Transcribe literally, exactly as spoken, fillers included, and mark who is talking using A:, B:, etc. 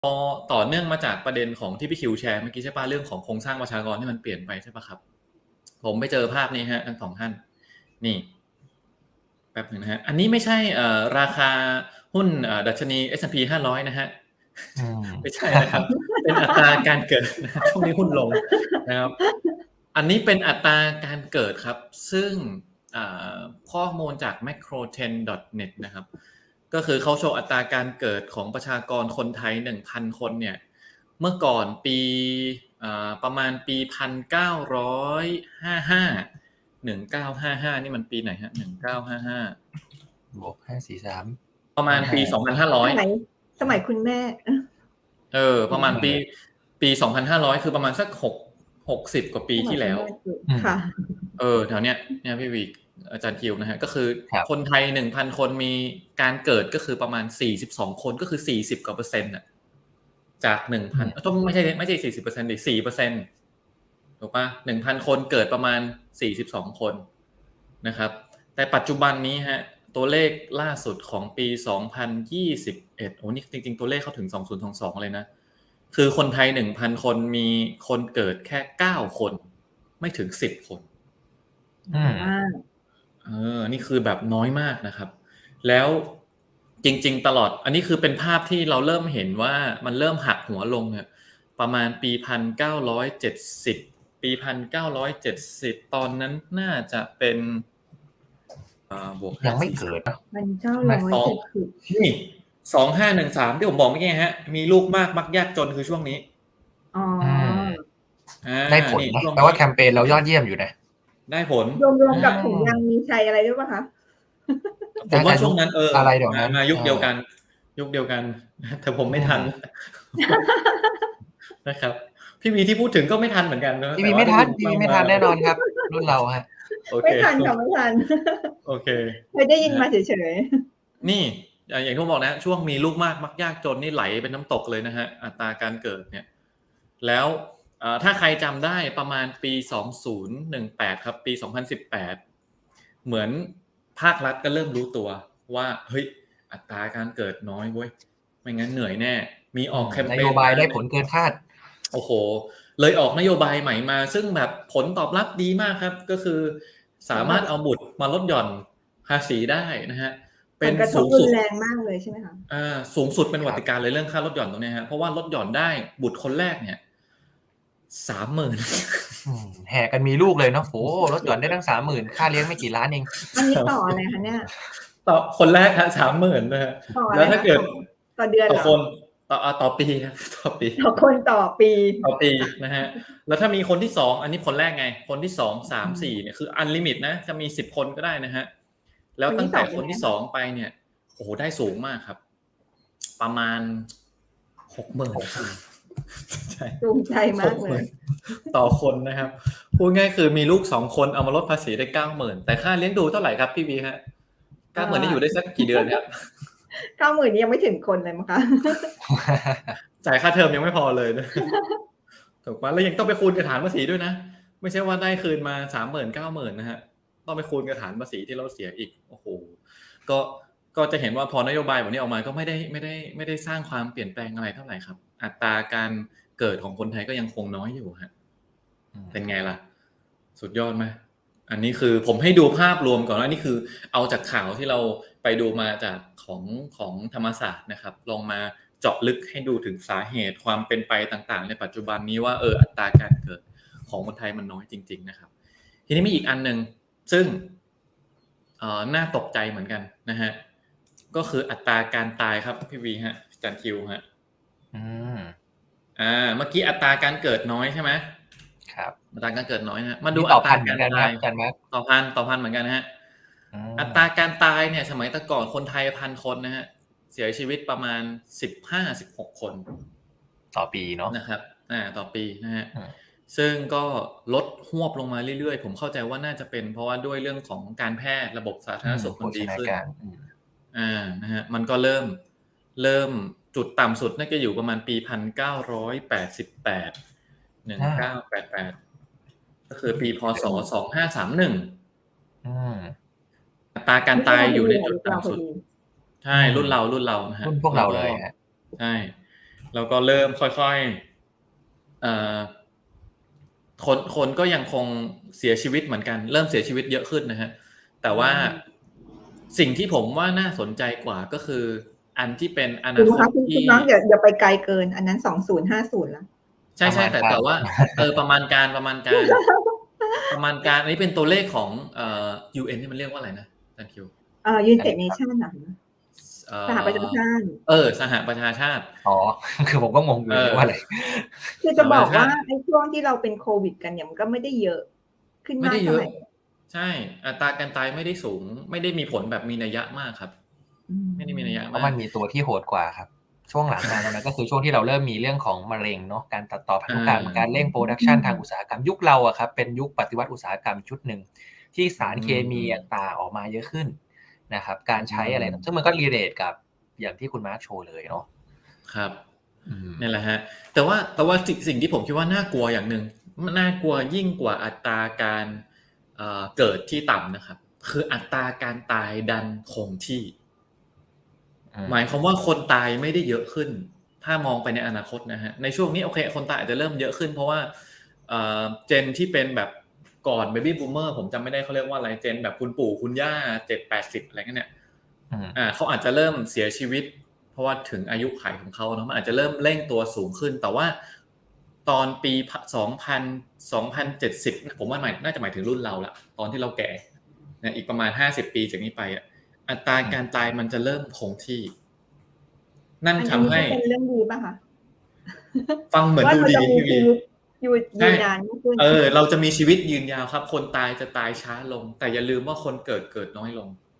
A: พอต่อเนื่องมาจากประเด็นของที่พี่คิวแชร์เมื่อกี้ใช่ป่ะเรื่องของโครงสร้างประชากรที่มันเปลี่ยนไปใช่ป่ะครับผมไปเจอภาพนี้ฮะทั้งสองท่านนี่แป๊บนึงนะฮะอันนี้ไม่ใช่เอ่อราคาหุ้นเอ่อดัชนี เอส แอนด์ พี ห้าร้อยนะฮะไม่ใช่นะครับเป็นอัตราการเกิดนะช่วงนี้หุ้นลงนะครับอันนี้เป็นอัตราการเกิดครับซึ่งข้อมูลจาก แมคโครเทรนด์ ดอท เน็ต นะครับก็คือเขาโชว์อัตราการเกิดของประชากรคนไทย หนึ่งพัน คนเนี่ยเมื่อก่อนปีประมาณปีหนึ่งพันเก้าร้อยห้าสิบห้า หนึ่งพันเก้าร้อยห้าสิบห้านี่มันปีไหนฮะหนึ่งพันเก้าร้อยห้าสิบห้า
B: บวกห้าสี่สาม
A: ประมาณปีสองพันห้าร้อย
C: สมัยสมัยคุณแม่
A: เออประมาณปีปีสองพันห้าร้อยคือประมาณสักหก หกสิบกว่าปีที่แล้ว
C: ค่ะ
A: เออแถวเนี้ยเนี่ยพี่วีอาจารย์คิวนะฮะก็คือคนไทย หนึ่งพัน คนมีการเกิดก็คือประมาณสี่สิบสองคนก็คือสี่สิบกว่าเปอร์เซ็นต์น่ะจาก หนึ่งพัน ต้องไม่ใช่ไม่ใช่ สี่สิบเปอร์เซ็นต์ ดิ สี่เปอร์เซ็นต์ ถูกป่ะ หนึ่งพัน คนเกิดประมาณสี่สิบสองคนนะครับแต่ปัจจุบันนี้ฮะตัวเลขล่าสุดของปีสองพันยี่สิบเอ็ดโอ้นี่จริงๆตัวเลขเข้าถึงสองพันยี่สิบสองเลยนะคือคนไทย หนึ่งพัน คนมีคนเกิดแค่เก้าคนไม่ถึงสิบคน
B: อืม
A: เออนี่คือแบบน้อยมากนะครับแล้วจริงๆตลอดอันนี้คือเป็นภาพที่เราเริ่มเห็นว่ามันเริ่มหักหัวลงเนี่ยประมาณปีหนึ่งพันเก้าร้อยเจ็ดสิบปีหนึ่งพันเก้าร้อยเจ็ดสิบตอนนั้นน่าจะเป็นอ่าบวก
B: ยังไม่เกิดเนาะ
C: มันเก้าร้อยเจ็ดสิบ
A: นี่สองพันห้าร้อยสิบสามที่ผมบอกเมื่อกี้ฮะมีลูกมากมักยากจนคือช่วงนี้
C: อ๋อ
B: ได้ผลนะแปลว่าแคมเปญเรายอดเยี่ยมอยู่นะ
A: ได้ผล
C: รวมๆกับถุงยางมีชัยอะไรด้วยป่ะคะ
A: ผมว่าช่วงนั้นเออ
B: อะไรเดี๋ยวนั้น
A: มายุคเดียวกันยุคเดียวกันแต่ผมไม่ทันนะครับพี่วีที่พูดถึงก็ไม่ทันเหมือนกันนะ
B: พี่วีไม่ทันพี่วีไม่ทันแน่นอนครับรุ่นเราฮะ
C: ไม่ทันค่ะไม่ทัน
A: โอเค
C: เคยได้ยินมาเฉย
A: ๆนี่อย่างที่ผมบอกนะช่วงมีลูกมากมักยากจนนี่ไหลเป็นน้ำตกเลยนะฮะอัตราการเกิดเนี่ยแล้วถ้าใครจำได้ประมาณปีสองพันสิบแปดครับปีสองพันสิบแปดเหมือนภาครัฐก็เริ่มรู้ตัวว่าเฮ้ยอัตราการเกิดน้อยเว้ยไม่งั้นเหนื่อยแน่มีออกแคมเปญ
B: นโยบายได้ผลเกินคาด
A: โอ้โหเลยออกนโยบายใหม่มาซึ่งแบบผลตอบรับดีมากครับก็คือสามารถเอาบุตรมาลดหย่อนภาษีได้นะฮะ
C: เป็นสูงสุดแรงมากเลยใช่ไหมคะ
A: อ่าสูงสุดเป็นวัติการเลยเรื่องค่าลดหย่อนตรงนี้ฮะเพราะว่าลดหย่อนได้บุตรคนแรกเนี่ยสามหมื่น
B: แห่กันมีลูกเลยเนาะโหลดหย่อนได้ตั้งสามหมื่นค่าเลี้ยงไม่กี่ล้านเอง
C: อันนี้ต่ออะไรคะเนี่ย
A: ต่อคนแรกฮะสามหมื่นนะฮะแล้วถ้าเกิด
C: ต่อเดือน
A: ต่อคนต่อต่อปีครับต่อปี
C: ต่อคนต่อปี
A: ต่อปีนะฮะแล้วถ้ามีคนที่สองอันนี้คนแรกไงคนที่สอง สาม สี่เนี่ยคืออันลิมิตนะจะมีสิบคนก็ได้นะฮะแล้วตั้งแต่คนที่สองไปเนี่ยโอ้โหได้สูงมากครับประมาณ หกหมื่น
C: ใช่ภูมิใจมากเลย
A: ต่อคนนะครับพูดง่ายคือมีลูกสองคนเอามาลดภาษีได้ เก้าหมื่น แต่ค่าเลี้ยงดูเท่าไหร่ครับพี่บีฮะ เก้าหมื่น นี่อยู่ได้สักกี่เดือนครับ
C: เก้าหมื่น นี่ยังไม่ถึงคนเลยมั้งคะ
A: จ่ายค่าเทอมยังไม่พอเลยนะถูกป่ะแล้วยังต้องไปคูณกับฐานภาษีด้วยนะไม่ใช่ว่าได้คืนมา สามหมื่น เก้าหมื่น นะฮะต้องไปคูณกับฐานภาษีที่เราเสียอีกโอ้โหก็ก็จะเห็นว่าพอนโยบายแบบนี้ออกมาก็ไม่ได้ไม่ได้ไม่ได้สร้างความเปลี่ยนแปลงอะไรเท่าไหร่ครับอัตราการเกิดของคนไทยก็ยังคงน้อยอยู่ฮะเป็นไงล่ะสุดยอดไหมอันนี้คือผมให้ดูภาพรวมก่อนว่านี่คือเอาจากข่าวที่เราไปดูมาจากของของธรรมศาสตร์นะครับลองมาเจาะลึกให้ดูถึงสาเหตุความเป็นไปต่างๆในปัจจุบันนี้ว่าเอออัตราการเกิดของคนไทยมันน้อยจริงๆนะครับทีนี้มีอีกอันนึงซึ่งเอ่อน่าตกใจเหมือนกันนะฮะก็คืออัตราการตายครับพี่วีฮะอาจารย์คิวฮะ
B: อืม
A: อ่าเมื่อกี้อัตราการเกิดน้อยใช่ไหม
B: ครับ
A: อัตราการเกิดน้อยนะมาดูอัตราการตาย
B: กันไหม
A: ต่อพันต่อพันเหมือนกันนะฮะอัตราการตายเนี่ยสมัยแต่ก่อนคนไทยพันคนนะฮะเสียชีวิตประมาณ สิบห้าถึงสิบหก คน
B: ต่อปีเนาะ
A: นะครับอ่าต่อปีนะฮะซึ่งก็ลดหวบลงมาเรื่อยๆผมเข้าใจว่าน่าจะเป็นเพราะว่าด้วยเรื่องของการแพทย์ระบบสาธารณสุขมันดีขึ้นอ่านะฮะมันก็เริ่มเริ่มจุดต่ำสุดน่าจะอยู่ประมาณปีหนึ่งพันเก้าร้อยแปดสิบแปด หนึ่งพันเก้าร้อยแปดสิบแปดก็คือปีพ.ศ. สองพันห้าร้อยสามสิบเอ็ด
B: อืม
A: อัตราการตายอยู่ในจุดต่ำสุดใช่รุ่นเรารุ่นเรานะฮะ
B: รุ่นพวกเราเลยฮะ
A: ใช่แล้วก็เริ่มค่อยๆเอ่อคนคนก็ยังคงเสียชีวิตเหมือนกันเริ่มเสียชีวิตเยอะขึ้นนะฮะแต่ว่าสิ่งที่ผมว่าน่าสนใจกว่าก็คืออันที่เป็นอ
C: คุ
A: นา
C: ณ
A: ค
C: คะ
A: ต
C: คุณคุ
A: ที่
C: ณน้องอย่าอย่าไปไกลเกิน อันนั้นสองพันห้าสิบแล้ว
A: ใช่
B: ประมาณ
A: ๆ แต่
B: การ
A: แต่ว่า เออ ประมาณการ ประมาณการ ประมาณการ อันนี้เป็นตัวเลขของ เอ่อ ยู เอ็น นี่มันเรียกว่าอะไรนะอาจารย์คิว?
C: เอ่อ United Nations น่ะ
A: เอ่
C: สหประชา
A: อ
C: ชาติ
A: เออ สหประชาชาติ
B: อ๋อ คือผมก็งงอยู่
A: เออ
B: เรียกว่าอะไร?
C: คือจะบอก
A: สหประชาชา
C: ว่า
A: ติ
C: ไอ้ช่วงที่เราเป็นโควิดกันเนี่ย มันก็ไม่ได้เยอะขึ้น
A: ไม่
C: มา
A: ได
C: ก้
A: เย
C: เท่า
A: อะ
C: ไร
A: ใช่ อัตราการตายไม่ได้สูง ไม่ได้มีผลแบบมีนัยยะมากครับ
C: อืม
A: ไม่ได้มีนัยยะ
B: เพ
A: มา
B: ราะมันมีตัวที่โหดกว่าครับ ช่วงหลังมาตอนนั้น ก็คือช่วงที่เราเริ่มมีเรื่องของมะเร็งเนาะ การตัดต่อพันธุกรรม
A: อา
B: การเร่ง Production ทางอุตสาหกรรม ยุคเราอะครับเป็นยุคปฏิวัติอุตสาหกรรมชุดหนึ่ง ที่สารเคมีต่างๆออกมาเยอะขึ้นนะครับ การใช้อะไร
A: อืม
B: ซึ่งมันก็ relate กับอย่างที่คุณมาร์คโชว์เลยเนาะ
A: ครับ
B: อืม
A: นั่นแหละครับ แต่ว่า แต่ว่าสิ่ง สิ่งที่ผมคิดว่าน่ากลัวอย่างหนึ่ง มันน่ากลัวยิ่งกว่าอัตราการ เอ่อ เกิดที่ต่ำนะครับ คืออัตราการตายดันคงที่
B: อืม
A: หมายความว่าคนตายไม่ได้เยอะขึ้น ถ้ามองไปในอนาคตนะฮะ ในช่วงนี้โอเค คนตายอาจจะเริ่มเยอะขึ้น เพราะว่า เอ่อ Gen ที่เป็นแบบก่อน Baby Boomer ผมจำไม่ได้เขาเรียกว่าอะไร Gen แบบคุณปู่คุณย่า เจ็ดแปดสิบ อะไรงั้นเนี่ย
B: อืม
A: อ่า เขาอาจจะเริ่มเสียชีวิต เพราะว่าถึงอายุขัยของเขาเนาะ มันอาจจะเริ่มเร่งตัวสูงขึ้น แต่ว่าตอนปี พ. สองพัน สองพันเจ็ดสิบ ผมว่าหมาย น่าจะหมายถึงรุ่นเราแล้ว ตอนที่เราแก่ นะ อีกประมาณ ห้าสิบ ปีจากนี้ไปอะ อัตราการตายมันจะเริ่มคงที่ นั่น
C: อัน
A: ท
C: อัน
A: ำ
C: นี้
A: ให้
C: ก็เป็นเรื่องดีเปล่าคะ?
A: ฟังเหมือน
C: ว่า
A: ดู
C: เรา
A: ดี
C: จะมี
A: พี่
C: ชีวิตยู
A: ใช
C: ยื
A: ่
C: นนานมากขึ้น
A: เออ เราจะมีชีวิตยืนยาวครับ คนตายจะตายช้าลง แต่อย่าลืมว่าคนเกิด เกิดน้อยลง